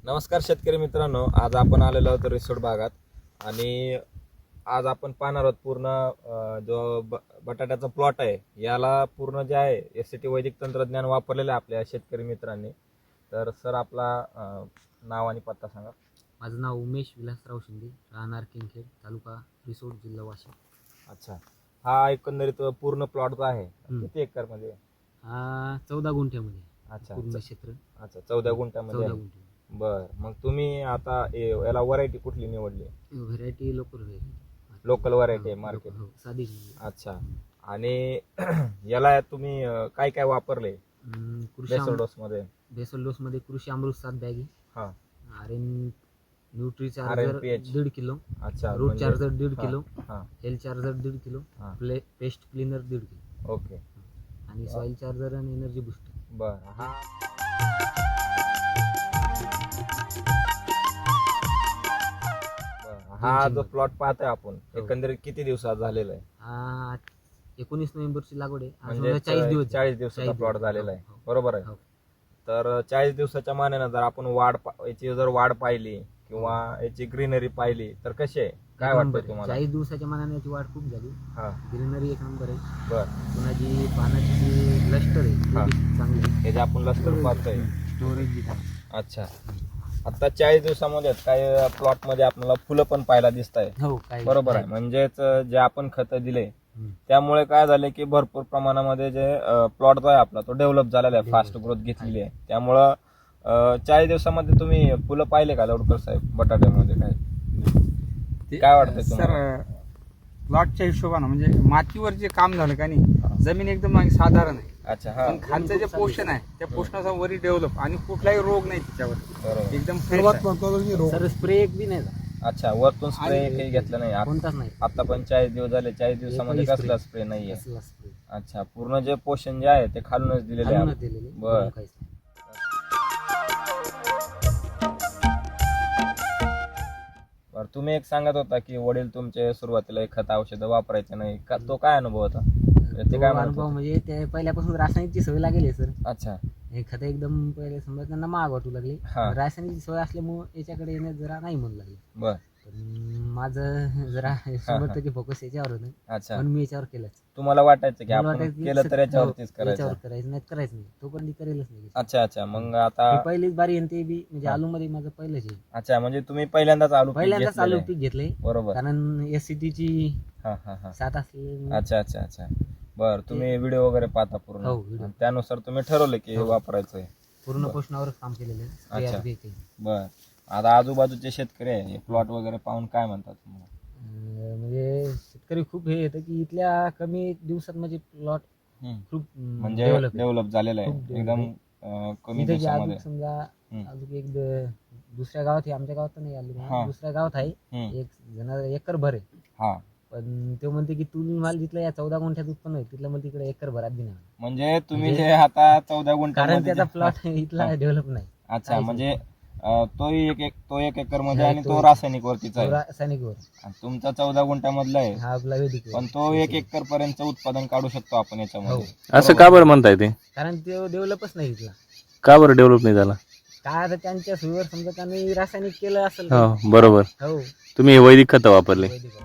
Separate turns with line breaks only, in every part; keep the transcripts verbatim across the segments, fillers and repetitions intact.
नमस्कार शेतकरी मित्रांनो, आज आपण आलेलो आहोत रिसोड भागात आणि आज आपण पाहणार आहोत पूर्ण जो बटाट्याचा प्लॉट आहे याला पूर्ण जे आहे एस सी टी वैदिक तंत्रज्ञान वापरलेलं आहे आपल्या शेतकरी मित्रांनी. तर सर आपला नाव आणि पत्ता सांगा.
माझं नाव उमेश विलासराव शिंदे, राहणार किंगखेड, तालुका रिसोड, जिल्हा वाशिम.
अच्छा, हा एकंदरीत पूर्ण प्लॉट जो आहे किती एकर मध्ये?
हा चौदा गुंठ्यामध्ये.
अच्छा,
पूर्ण क्षेत्र.
अच्छा चौदा गुंठ्यामध्ये.
चौदा गुंठे.
बर, मग तुम्ही आता याला व्हरायटी कुठली निवडली?
Variety local variety.
Local variety आहे मार्केट.
हो, साधी.
अच्छा, आणि याला तुम्ही काय काय वापरले बेसल डोस मध्ये?
बेसल डोस मध्ये कृषी अमृत सात बॅगी,
हा,
आर एन न्यूट्री चार्जर दीड किलो,
अच्छा
रूट चार्जर दीड किलो,
हा,
हेल चार्जर दीड किलो, पेस्ट क्लीनर दीड किलो.
ओके.
आणि सॉइल चार्जर आणि एनर्जी बुस्टर.
बर, हा हा जो प्लॉट पाहतोय आपण एकंदरीत किती दिवसात झालेला आहे?
हा एकोणीस नोव्हेंबरची लागवड आहे.
म्हणजे चाळीस दिवस चाळीस दिवसाचा प्लॉट झालेला आहे, बरोबर आहे. तर चाळीस दिवसाच्या मानाने जर आपण वाढ याची जर वाढ पाहिली किंवा याची ग्रीनरी पाहिली तर कशी आहे, काय वाटतं तुम्हाला?
चाळीस दिवसाच्या मानाने याची वाढ खूप झाली.
हा,
ग्रीनरी एक नंबर आहे.
बर,
पुन्हा जी पानाची जी लष्टर आहे चांगली आहे.
हे जे आपण लष्कर पाहतोय
स्टोरेज.
अच्छा, आता चाळीस दिवसामध्ये काही प्लॉट मध्ये आपल्याला फुलं पण पाहायला दिसत आहे,
हो,
बरोबर आहे. म्हणजेच जे आपण खत दिले त्यामुळे काय झालं की भरपूर प्रमाणामध्ये जे प्लॉट जो आहे आपला तो डेव्हलप झालेला आहे, फास्ट ग्रोथ घेतलेली आहे. त्यामुळं चाळीस दिवसामध्ये तुम्ही फुलं पाहिले का लवडकर साहेब बटाट्यामध्ये? काय काय वाटतं
सर? प्लॉटच्या हिशोबानं म्हणजे मातीवर जे काम झालं का नाही, जमीन एकदम साधारण आहे.
अच्छा, हा,
पण खालचं जे पोषण आहे त्या पोषणाचा वरी डेव्हलप आणि कुठलाही रोग नाही त्याच्यावर,
बरोबर
एकदम
सर स्प्रे एक बी नाही.
अच्छा, वरतून स्प्रे काही घेतलं नाही
कोणताच नाही
आता पण चाळीस दिवस झाले, चाळीस दिवसामध्ये कसला स्प्रे नाहीये? अच्छा, पूर्ण जे पोषण जे आहे ते खालूनच दिलेले आहे. बर, बर, तुम्ही एक सांगत होता की वडील तुमचे सुरुवातीला एक खत औषध वापरायचे नाही का, तो काय अनुभव होता? ते काय
अनुभव म्हणजे ते पहिल्यापासून रासायनिकची सवय लागेल सर.
अच्छा,
हे खत एकदम पहिले समजा त्यांना महाग वाटू लागली. रासायनिकची सवय असल्यामुळे याच्याकडे येण्यात जरा नाही म्हणू लागले.
बर,
माझं जरा शंभर टक्के फोकस याच्यावर होतं.
अच्छा,
पण मी याच्यावर केलंच.
तुम्हाला वाटायचं की आपण केलं तर याच्यावरतीच करायचं?
करायचं नाही करायचं नाही, तो पण करेलच नाही.
अच्छा अच्छा, मग आता
पहिलीच बारी आहे ते बी म्हणजे आलू मध्ये माझं पहिलंच आहे.
अच्छा, म्हणजे तुम्ही पहिल्यांदाच आलू
पहिल्यांदाच आलू पीक घेतलंय,
बरोबर,
कारण एस सी टी ची
हा हा हा
साथ असली.
अच्छा अच्छा अच्छा, बर, तुम्ही व्हिडिओ वगैरे पाहता पूर्ण, त्यानुसार तुम्ही ठरवलं की वापरायचंय?
पूर्ण पोषणावरच काम केलेलं आहे.
अच्छा, बर. आता आजूबाजूचे शेतकरी आहे प्लॉट वगैरे पाहून काय म्हणतात तुम्हाला?
म्हणजे शेतकरी खूप हे येतं की इथल्या कमी दिवसात म्हणजे प्लॉट खूप
म्हणजे डेव्हलप झालेला आहे एकदम कमी दिवसामध्ये.
समजा अजून एक दुसऱ्या गावात आहे, आमच्या गावात नाही आलो, दुसऱ्या गावात आहे एक जण एकर भर आहे.
हा,
पण ते म्हणते की तू माल जिथला या चौदा गुंठ्यात उत्पन्न आहे तिथलं मग तिकडे एकर भरात बी नाही.
म्हणजे तुम्ही जे आता चौदा गुंठा,
कारण त्याचा प्लॉट इथला डेव्हलप नाही.
अच्छा, म्हणजे तो एक एक तो एक एकर मध्ये आणि तो रासायनिक वरतीच आहे,
रासायनिक वर.
तुमचा चौदा गुंठा मधला आहे
हा आपला वैदिक,
पण तो एक एकर पर्यंत उत्पादन काढू शकतो आपण याच्यामध्ये.
असं का बरं म्हणताय ते?
कारण ते डेव्हलपच नाही इथला.
का बरं डेव्हलप नाही झाला?
काय आता त्यांच्या सोयीवर समजा त्यांनी रासायनिक केलं असेल.
हो, बरोबर.
हो,
तुम्ही वैदिक खत वापरले.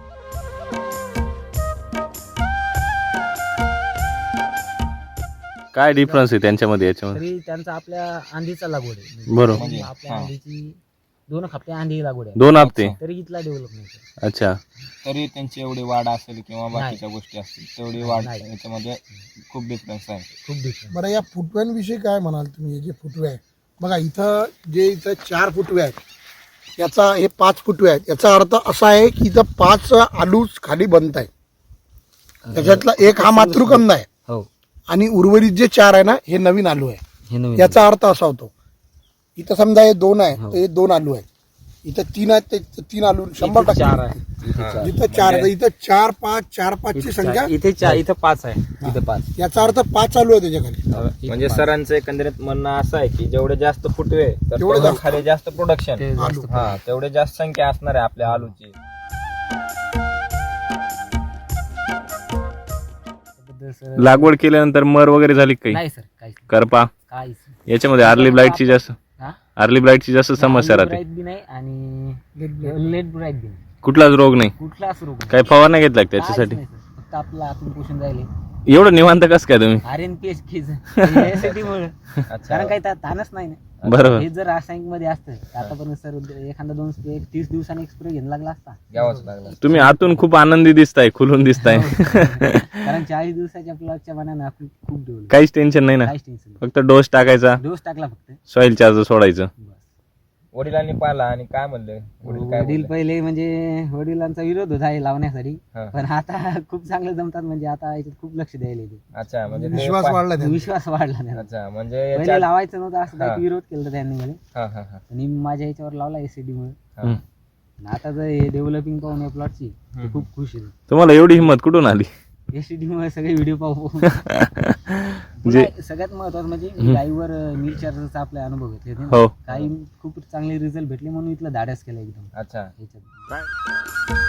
काय डिफरन्स आहे त्यांच्यामध्ये याच्यामध्ये?
तरी त्यांचा आपल्या आंधीचा लागवड आहे,
बरोबर.
आपल्या आंधीची दोन हप्ते आंधी लागवड आहे,
दोन हप्ते
तरी इथला डेव्हलप नाही.
अच्छा,
तरी त्यांची एवढी वाढ असेल किंवा बाकीच्या गोष्टी असतील तेवढी वाढ याच्यामध्ये खूप डिफरन्स आहे,
खूप डिफरन्स.
बरं, या फुटव्यांविषयी काय म्हणाल तुम्ही? जे फुटवे आहे बघा इथं, जे इथं चार फुटवे आहेत, याचा हे पाच फुटवे आहेत, याचा अर्थ असा आहे की इथं पाच आलू खाली बनत आहे, त्याच्यातला एक हा मातृकंद आहे.
हो,
आणि उर्वरित जे चार आहे ना हे नवीन आलू आहे.
हे नवीन.
याचा अर्थ असा होतो, इथं समजा हे दोन आहे तर हे दोन आलू आहेत, इथं तीन आहेत ते तीन आलू शंभर टक्के
चार आहे.
जिथं चार आहे इथं चार पाच चार पाच ची संख्या
इथे चार, इथं पाच आहे, इथं पाच.
याचा अर्थ पाच आलू आहे त्याच्याखाली.
म्हणजे सरांचं एकंदरीत म्हणणं असं आहे की जेवढे जास्त फुटवे तर
तेवढे
तेवढं खाली जास्त प्रोडक्शन,
ते जास्त
हा तेवढे जास्त संख्या असणार आहे आपल्या आलूची.
सर
लागवड केल्यानंतर मर वगैरे झाली काही?
नाही सर, काहीच
करपा
काहीच
याच्यामध्ये आर्ली ब्लाइटची जास्त?
हा
अर्ली ब्राईटची जास्त समस्या राहते.
ब्राईट बी नाही आणि लेट ब्राईट बी नाही,
कुठलाच रोग नाही.
कुठलाच रोग नाही.
काही फवारण्या घेतल्या का
काहीच
त्याच्यासाठी?
नाही सर. फक्त आपलं आतून पोषण जाईल
एवढं निवांत कसं काय तुम्ही?
आर एन पी एच खीज यासाठीमुळे,
अच्छा
कारण काही ता- ताणच नाही ना.
बरोबर.
हे जर रासायनिक मध्ये असतं तर आतापर्यंत सर एखादा दोन एक तीस दिवसांनी एक स्प्रे घ्यायला लागला असता.
घ्यावाच लागला.
तुम्ही आतून खूप आनंदी दिसताय, खुलून दिसताय.
कारण चाळीस दिवसाच्या प्लॉटच्या मनानं आपण खूप डेव्हलप,
काहीच टेन्शन नाही ना.
काहीच टेन्शन नाही.
फक्त डोस टाकायचा,
डोस टाकला फक्त
सॉइल चार्जर सोडायचं.
बस.
वडिलांनी पाहिला आणि काय म्हणले वडील काय
वडील
बोलले?
पहिले म्हणजे वडिलांचा विरोध होता हे लावण्यासाठी,
हा.
पण आता खूप चांगलं जमतात. म्हणजे आता याच्यात खूप लक्ष द्यायला येते.
अच्छा म्हणजे ते
विश्वास
पा-
वाढला त्यांचा.
विश्वास वाढला त्यांना.
अच्छा म्हणजे
पहिले
याच्या-
लावायचं नव्हतं असं
हा.
काही विरोध केला त्यांनी मला,
हा हा हा
आणि मी माझ्या याच्यावर लावला एसीडी मुळे.
हा.
आणि आता जर हे डेव्हलपिंग पाहून या प्लॉटची
हम्म.
खूप खुश आहे.
तुम्हाला एवढी हिंमत कुठून आली?
एसीडी मुळे सगळे व्हिडिओ पाहू पाहून.
म्हणजे
पुन्हा सगळ्यात महत्वाचं म्हणजे मी गाईवर मिल चार्जरचा आपले अनुभव घेतले होते ना.
हो.
काही खूप चांगले रिझल्ट भेटले म्हणून इथलं धाडस केलं एकदम
अच्छा
याच्यात.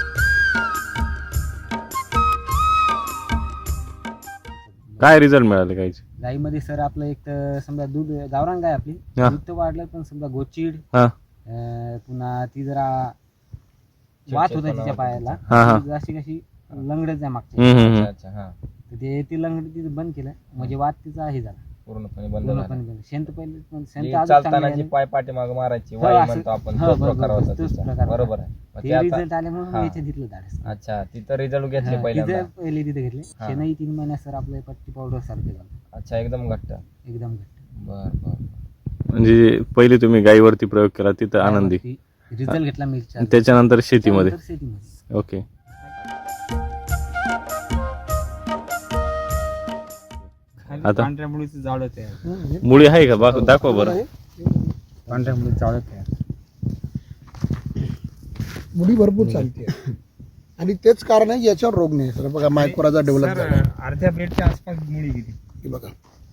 काय रिझल्ट मिळाले काहीच?
गाईमध्ये सर आपलं एक तर समजा दूध गावरान गाय आपली,
हा.
दूध तर वाढलं पण समजा गोचीड,
हा
अं, पुन्हा ती जरा वात होता तिच्या पायाला,
हा, हा.
ती जशी कशी लंगडच आहे मागची,
हम्म, हम्म,
अच्छा
हम्म.
अच्छा हा
तर ते ती लंगडी तिथं बंद केलं म्हणजे वात तिचा हे झाला
पूर्णपणे बंद झाला.
पूर्णपणे बंद. शेंत पहिले पण शेंत
जी
अजून
चालताना
चांगली
जी
आहे.
पाय पाठीमाग मारायची
हो,
वाई
असं-
म्हणतो आपण,
हो,
तो
बरोबर,
प्रकार होता
तोच
तिचा.
प्रकार होता.
बरोबर आहे. मग ते
ते
आता
रिझल्ट आले म्हणून
हा.
याच्यात घेतलं धाडस.
अच्छा तिथं रिझल्ट घेतले
हा,
पहिल्यांदा.
तिथं पहिले तिथे घेतले.
हा.
शेणही तीन महिन्यात सर आपलं पट्टी पावडर सारखे झालं,
अच्छा एकदम घट्ट.
एकदम घट्ट.
बर बर
म्हणजे पहिले तुम्ही गायीवरती प्रयोग केला तिथं आनंदी,
रिझल्ट घेतला मिरच्या
त्याच्यानंतर शेतीमध्ये.
शेतीमध्ये
ओके.
खाली
आता?
पांढऱ्या मुळीचं जाळं तयार,
मुळी आहे का? बा- दाखवा बरं.
पांढऱ्या मुळीचं जाळं तयार.
मुली भरपूर चालते आणि तेच कारण आहे याच्यावर रोग नाही सर. बघा मायक्रोराचा डेव्हलप
सर,
झाला.
अर्ध्या प्लेटच्या आसपास मुळी किती.
ही बघा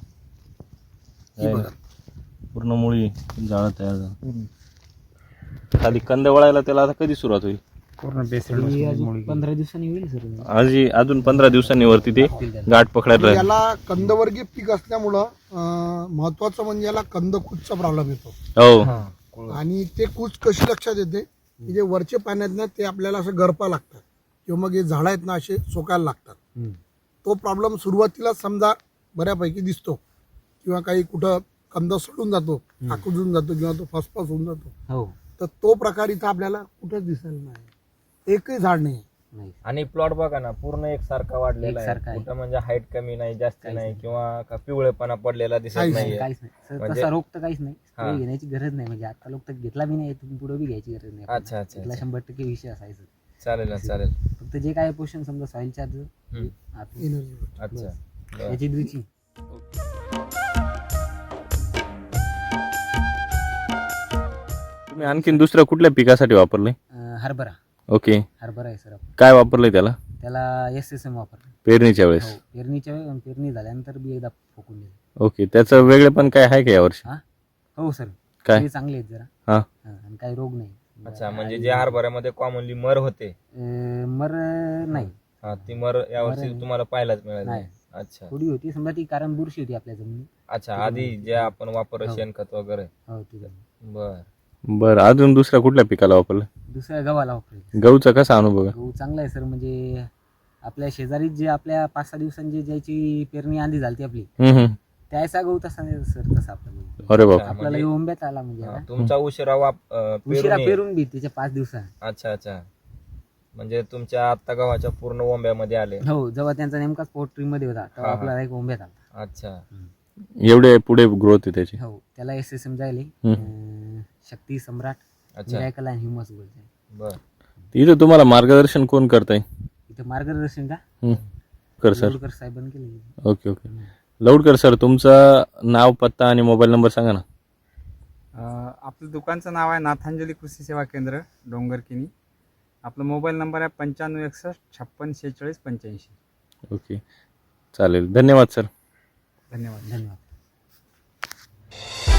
ही बघा
पूर्ण मुळी जाळं तयार झालं. खाली कंद वळायला त्याला आता कधी सुरुवात होईल?
पूर्ण बेसन
तरी अजून पंधरा दिवसांनी होईल सर.
आजी अजून पंधरा दिवसांनी वरती ते गाठ पकडायला राहील.
याला कंदवर्गीय पीक असल्यामुळं अं, महत्वाचं म्हणजे याला कंद कुजचा प्रॉब्लेम येतो.
हो.
आणि ते कूच कशी लक्षात येते की जे वरचे पाण्यात ना ते आपल्याला असं गरपा लागतात किंवा मग हे झाडं आहेत ना असे सोकायला लागतात. तो प्रॉब्लेम सुरुवातीला समजा बऱ्यापैकी दिसतो किंवा काही कुठं कंद सोडून जातो, आकुजून जातो किंवा तो फसफस होऊन जातो.
हो,
तर तो प्रकार इथं आपल्याला कुठंच दिसेल नाही. एकही झाड नाही.
नाही
आणि प्लॉट बघा ना पूर्ण एकसारखा वाढलेला
एकसारखा
आहे.
आहे.
कुठं म्हणजे हाईट कमी नाही, जास्त
काहीच
नाही
नाही.
किंवा का पिवळेपणा पडलेला दिसत
काहीच
नाहीये.
काहीच नाही सर.
म्हणजे-
तसा रोग तर काहीच नाही.
हा.
स्प्रे घेण्याची गरज नाही. म्हणजे आता लोक तर घेतला बी नाही, इथून पुढे बी घ्यायची गरज नाही.
अच्छा, अच्छा,
इथला
अच्छा.
शंभर टक्के विषय असायचा.
चालेल ना चालेल.
फक्त जे काय पोषण समजा सॉइल चार्ज
हम्म.
एनर्जी
अच्छा बरं.
याची द्रुची
तुम्ही आणखीन दुसऱ्या कुठल्या पिकासाठी वापरले?
हरभरा
ओके.
हरभरा आहे सर.
काय वापरलंय त्याला
त्याला एस एस एम वापरलं.
पेरणीच्या वेळेस?
हो, पेरणीच्या वेळी पेरणी झाल्यानंतर बी एकदा फोकून दिलं.
ओके. त्याचं वेगळे पण काय आहे का यावर्षी?
हो सर,
काय?
ते चांगले आहेत जरा.
हा.
हा, आणि काही रोग नाही.
अच्छा म्हणजे जे हरभऱ्यामध्ये कॉमनली मर होते
अं, मर नाही,
हा ती मर यावर्षी
मर-
तुम्हाला पाहायलाच मिळाली
नाही.
नाही. अच्छा
थोडी होती समजा ती, कारण बुरशी होती आपल्या जमिनीत.
अच्छा आधी जे आपण वापर
हो.
शेणखत वगैरे.
हो, ती
बर
बरं. अजून दुसऱ्या कुठल्या पिकाला वापरलं?
दुसऱ्या गव्हाला वापरली.
गहूचा कसा अनुभव आहे?
गहू चांगला आहे सर. म्हणजे आपल्या शेजारी जे आपल्या पाच सहा दिवसांची ज्याची पेरणी आधी झाली आपली,
हम्म, हम्म.
त्याचा गहू तसा नाही सर. तसा आपला
अरे बाप.
आपल्याला
म्हणजे-
ओंब्यात आला म्हणजे
हा,
आता.
तुमचा उशिरा वाप अं,
उशिरा
पेरून
पेरून बी त्याच्या पाच दिवसात.
अच्छा अच्छा म्हणजे तुमच्या आत्ता गव्हाच्या पूर्ण ओंब्यामध्ये आले.
हो, जेव्हा त्यांचा नेमकाच पोल्ट्री मध्ये होता तेव्हा
हा, हा.
आपल्याला एक ओंब्यात आला.
अच्छा
एवढे पुढे ग्रोथ आहे त्याची?
हो, त्याला एस एस एम जायले
हम्म.
शक्ती सम्राट,
अच्छा
मिराकल आणि ह्युमस गोल्ड.
बर
इथं तुम्हाला मार्गदर्शन कोण करताय?
इथे मार्गदर्शन का
हम्म. कर सर.
लोडकर साहेबांनी केलं.
Okay okay. लवडकर सर, तुमचं नाव, पत्ता आणि मोबाईल नंबर सांगा ना.
अं, आपलं दुकानचं नाव आहे नाथांजली कृषी सेवा केंद्र, डोंगरकिनी. आपला मोबाईल नंबर आहे पंच्याण्णव एकसष्ट छप्पन शेहेचाळीस पंच्याऐंशी.
ओके चालेल. धन्यवाद सर.
धन्यवाद.
धन्यवाद.